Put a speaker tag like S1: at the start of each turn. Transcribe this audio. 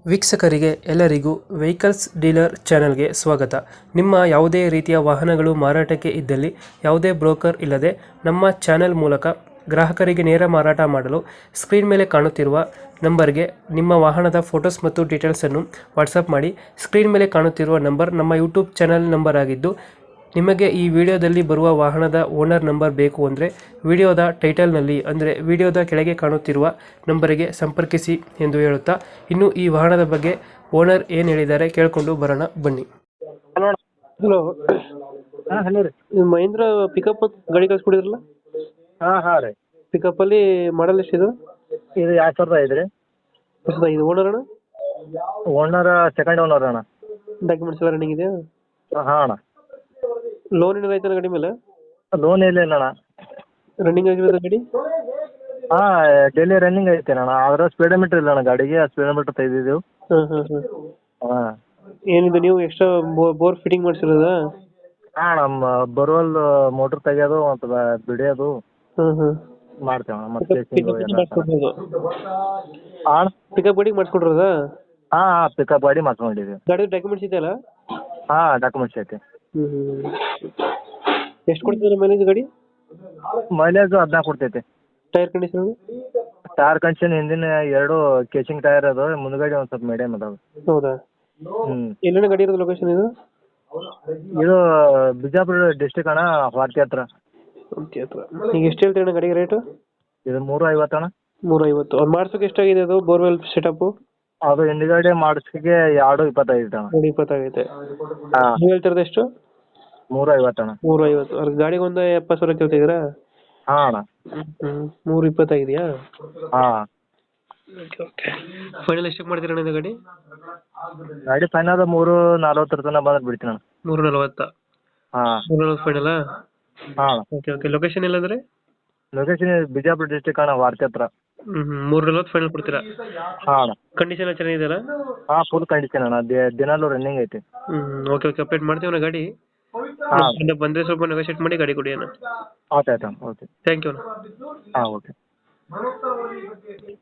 S1: ವೀಕ್ಷಕರಿಗೆ ಎಲ್ಲರಿಗೂ vehicles dealer ಚಾನೆಲ್ಗೆ ಸ್ವಾಗತ. ನಿಮ್ಮ ಯಾವುದೇ ರೀತಿಯ ವಾಹನಗಳು ಮಾರಾಟಕ್ಕೆ ಇದ್ದಲ್ಲಿ ಯಾವುದೇ ಬ್ರೋಕರ್ ಇಲ್ಲದೆ ನಮ್ಮ ಚಾನೆಲ್ ಮೂಲಕ ಗ್ರಾಹಕರಿಗೆ ನೇರ ಮಾರಾಟ ಮಾಡಲು ಸ್ಕ್ರೀನ್ ಮೇಲೆ ಕಾಣುತ್ತಿರುವ ನಂಬರ್ಗೆ ನಿಮ್ಮ ವಾಹನದ ಫೋಟೋಸ್ ಮತ್ತು ಡೀಟೇಲ್ಸನ್ನು ವಾಟ್ಸಪ್ ಮಾಡಿ. ಸ್ಕ್ರೀನ್ ಮೇಲೆ ಕಾಣುತ್ತಿರುವ ನಂಬರ್ ನಮ್ಮ ಯೂಟ್ಯೂಬ್ ಚಾನೆಲ್ ನಂಬರ್ ಆಗಿದ್ದು, ನಿಮಗೆ ಈ ವಿಡಿಯೋದಲ್ಲಿ ಬರುವ ವಾಹನದ ಓನರ್ ನಂಬರ್ ಬೇಕು ಅಂದರೆ ವಿಡಿಯೋದ ಟೈಟಲ್ನಲ್ಲಿ ಅಂದರೆ ವಿಡಿಯೋದ ಕೆಳಗೆ ಕಾಣುತ್ತಿರುವ ನಂಬರಿಗೆ ಸಂಪರ್ಕಿಸಿ ಎಂದು ಹೇಳುತ್ತಾ, ಇನ್ನು ಈ ವಾಹನದ ಬಗ್ಗೆ ಓನರ್ ಏನು ಹೇಳಿದ್ದಾರೆ ಕೇಳಿಕೊಂಡು ಬರೋಣ ಬನ್ನಿ. ಹಲೋ,
S2: ಹಾಂ ಹಲೋ ರೀ.
S1: ಮಹೇಂದ್ರ ಪಿಕಪ್ ಗಾಡಿ ಕಳ್ಸ್ಕೊಡಿದ್ರಲ್ಲ,
S2: ಹಾಂ ಹಾಂ ರೀ.
S1: ಪಿಕಪ್ಪಲ್ಲಿ ಮಾಡಲ್ ಎಷ್ಟಿದೆ?
S2: ಇದು 2005 ರೀ.
S1: ಇದು ಓನರ್ ಅಣ್ಣ?
S2: ಓನರ್ ಸೆಕೆಂಡ್ ಓನರ್ ಅಣ್ಣ.
S1: ಡಾಕ್ಯುಮೆಂಟ್ಸ್ ಎಲ್ಲ ರನ್ನಿಂಗ್ ಇದೆಯಾ?
S2: ಹಾಂ ಅಣ್ಣ.
S1: ಲೋನ್ ಏನಾದ್ರು ಆಯ್ತಾನ ಗಾಡಿ ಮೇಲೆ?
S2: ಲೋನ್ ಇಲ್ಲ ಅಣ್ಣ.
S1: ರನ್ನಿಂಗ್ ಆಗಿರೋದು ಗಾಡಿ?
S2: ಹಾಂ, ಡೈಲಿ ರನ್ನಿಂಗ್ ಐತೆ ಅಣ್ಣ. ಆದ್ರೆ ಸ್ಪೀಡೋಮೀಟ್ರ್ ಇಲ್ಲ ಅಣ್ಣ ಗಾಡಿಗೆ. ಸ್ಪೀಡೋಮೀಟ್ರ್ ತೆಗೆದಿದ್ದೆವು. ಹಾಂ.
S1: ಏನಿದೆ ನೀವು ಎಕ್ಸ್ಟ್ರಾ ಬೋರ್ ಫಿಟ್ಟಿಂಗ್ ಮಾಡಿಸಿರೋದಾ?
S2: ಹಾಂ, ನಮ್ಮ ಬೋರ್ವೆಲ್ ಮೋಟ್ರ್ ತೆಗೆಯೋದು ಮತ್ತು ಬಿಡಿಯೋದು ಮಾಡ್ತೇವೆ ಅಣ್ಣ. ಮತ್ತೆ ಹಾಂ,
S1: ಪಿಕಪ್ ಗಾಡಿ ಮಾಡಿಸ್ಕೊಡ್ರದಾ?
S2: ಹಾಂ ಹಾಂ, ಪಿಕಪ್ ಗಾಡಿ ಮಾಡ್ಕೊಂಡಿದ್ದೀವಿ.
S1: ಗಾಡಿ ಡಾಕ್ಯುಮೆಂಟ್ಸ್ ಇದೆಯಲ್ಲ?
S2: ಹಾಂ, ಡಾಕ್ಯುಮೆಂಟ್ಸ್ ಐತೆ.
S1: ಎಷ್ಟು ಕೊಡ್ತಿದ್ರೆ ಮೈಲೇಜ್ ಗಾಡಿ?
S2: ಮೈಲೇಜ್ 14 ಕೊಡ್ತೈತೆ.
S1: Tyre condition?
S2: ಟೈರ್ ಕಂಡೀಷನ್ ಹಿಂದಿನ 2 ಕೇಚಿಂಗ್ ಟೈರ್ ಅದಾವೆ, ಮುಂದ್ಗಡೆ ಒಂದು ಸ್ವಲ್ಪ ಮೀಡಿಯಮ್ ಅದಾವೆ.
S1: ಹೌದಾ? ಎಲ್ಲಿನ ಗಾಡಿ ಇರೋದು ಲೊಕೇಶನ್ ಇದು?
S2: ಇದು ಬಿಜಾಪುರ ಡಿಸ್ಟಿಕ್ ಅಣ್ಣ, ವಾರ್ತಿ ಹತ್ರ.
S1: ಈಗ ಎಷ್ಟು ಹೇಳ್ತೀರಣ್ಣ ಗಾಡಿಗೆ ರೇಟು?
S2: ಇದು 350 ಅಣ್ಣ.
S1: 350. ಅದು ಮಾಡ್ಸೋಕೆ ಎಷ್ಟಾಗಿದೆ ಅದು ಬೋರ್ವೆಲ್ ಸೆಟಪ್?
S2: ಅದು ಹಿಂದ್ಗಡೆ ಮಾಡಿಸ್ಲಿಕ್ಕೆ 225 ಅಣ್ಣ.
S1: 220
S2: ಹಾಂ.
S1: ನೀವು ಹೇಳ್ತಿರೋದು ಎಷ್ಟು?
S2: 350 ಅಣ್ಣ.
S1: 350. ಅವ್ರ ಗಾಡಿಗೆ ಒಂದು 70,000 ಕೇಳ್ತಿದ್ದೀರಾ?
S2: ಹಾಂ ಅಣ್ಣ.
S1: 320 ಆಗಿದೆಯಾ?
S2: ಹಾಂ.
S1: ಫೈನಲ್ ಎಷ್ಟಕ್ಕೆ ಮಾಡ್ತೀರಣ್ಣ ಇದು ಗಾಡಿ?
S2: ಗಾಡಿ ಫೈನಲ್ 340 ತನಕ ಬಂದ್ರೆ ಬಿಡ್ತೀನಿ ಅಣ್ಣ.
S1: 340?
S2: ಹಾಂ.
S1: 340 ಫೈನಲಾ?
S2: ಹಾಂ.
S1: ಓಕೆ. ಲೊಕೇಶನ್ ಎಲ್ಲಂದ್ರೆ?
S2: ಲೊಕೇಶನ್ ಬಿಜಾಪುರ ಡಿಸ್ಟಿಕ್ ಅಣ್ಣ, ವಾರ್ತಿ ಹತ್ರ.
S1: 340 ಫೈನಲ್ ಕೊಡ್ತೀರಾ?
S2: ಹಾಂ ಅಣ್ಣ.
S1: ಕಂಡೀಷನ್ ಎಲ್ಲ ಚೆನ್ನಾಗಿದೆಯಲ್ಲ?
S2: ಹಾಂ, ಫುಲ್ ಕಂಡೀಷನ್ ಅಣ್ಣ. ದಿನಾಲೂ ರನ್ನಿಂಗ್ ಐತಿ.
S1: ಓಕೆ. ಅಪ್ಡೇಟ್ ಮಾಡ್ತೀವಿ ಗಾಡಿ.
S2: ಹಾಂ.
S1: ಬಂದರೆ ಸ್ವಲ್ಪ ನೆಗೋಷಿಯೇಟ್ ಮಾಡಿ ಗಾಡಿ ಕೊಡಿ ಅಣ್ಣ.
S2: ಆಯ್ತು ಆಯ್ತು ಅಣ್ಣ. ಓಕೆ.
S1: ಥ್ಯಾಂಕ್ ಯು ಅಣ್ಣ.
S2: ಹಾಂ, ಓಕೆ.